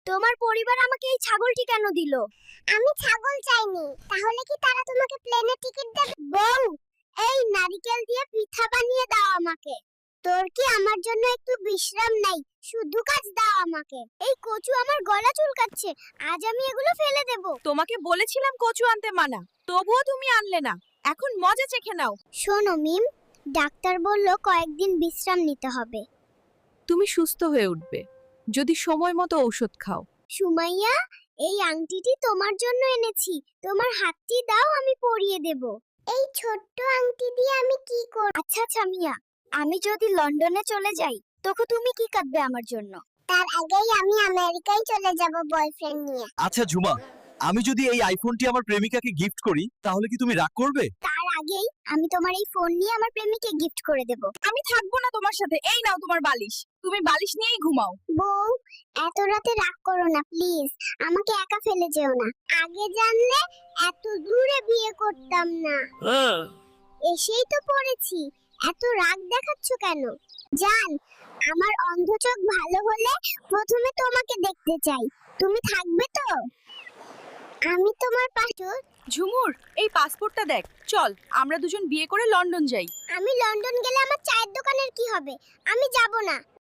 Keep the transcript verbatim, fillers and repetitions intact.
তোমার পরিবার আমাকে এই ছাগলটি কেন দিল? আমি ছাগল চাইনি, তাহলে কি তারা তোমাকে প্লেনের টিকিট দেবে? বউ, এই নারকেল দিয়ে পিঠা বানিয়ে দাও আমাকে। তোর কি আমার জন্য একটু বিশ্রাম নাই? শুধু কাজ দাও আমাকে। এই কচু আমার গলা চুলকাচ্ছে, আজ আমি এগুলো ফেলে দেব। তোমাকে বলেছিলাম কচু আনতে মানা, তবুও তুমি আনলে না। এখন মজা চেখে নাও। শোনো মিম, ডাক্তার বলল কয়েকদিন বিশ্রাম নিতে হবে। তুমি সুস্থ হয়ে উঠবে যদি সময় মতো ঔষধ খাও। সুমাইয়া, এই আংটিটি তোমার জন্য এনেছি। তোমার হাতটি দাও, আমি পরিয়ে দেব। এই ছোট্ট আংটি দিয়ে আমি কি করব? আচ্ছা আচ্ছা মিয়া, আমি যদি লন্ডনে চলে যাই তখন তুমি কি কাটবে আমার জন্য? তার আগেই আমি আমেরিকায় চলে যাব বয়ফ্রেন্ড নিয়ে। আচ্ছা ঝুমা, আমি যদি এই আইফোনটি আমার প্রেমিকাকে গিফট করি তাহলে কি তুমি রাগ করবে? তার আগেই আমি তোমার এই ফোন নিয়ে আমার প্রেমিককে গিফট করে দেব। আমি থাকবো না তোমার সাথে। এই নাও তোমার বালিশ, তুমি বালিশ নিয়েই ঘুমাও। বউ, এত রাতে রাগ করো না প্লিজ। আমাকে একা ফেলে যেও না। আগে জানলে এত দূরে বিয়ে করতাম না। এসেই তো পড়েছি, এত রাগ দেখাচ্ছ কেন? জান, আমার অন্ধ চোখ ভালো হলে প্রথমে তোমাকে দেখতে চাই। তুমি থাকবে তো? আমি তোমার পাশে। ঝুমুর, এই পাসপোর্টটা দেখ। চল আমরা দুজন বিয়ে করে লন্ডন যাই। আমি লন্ডন গেলে আমার চায়ের দোকানের কি হবে? আমি যাব না।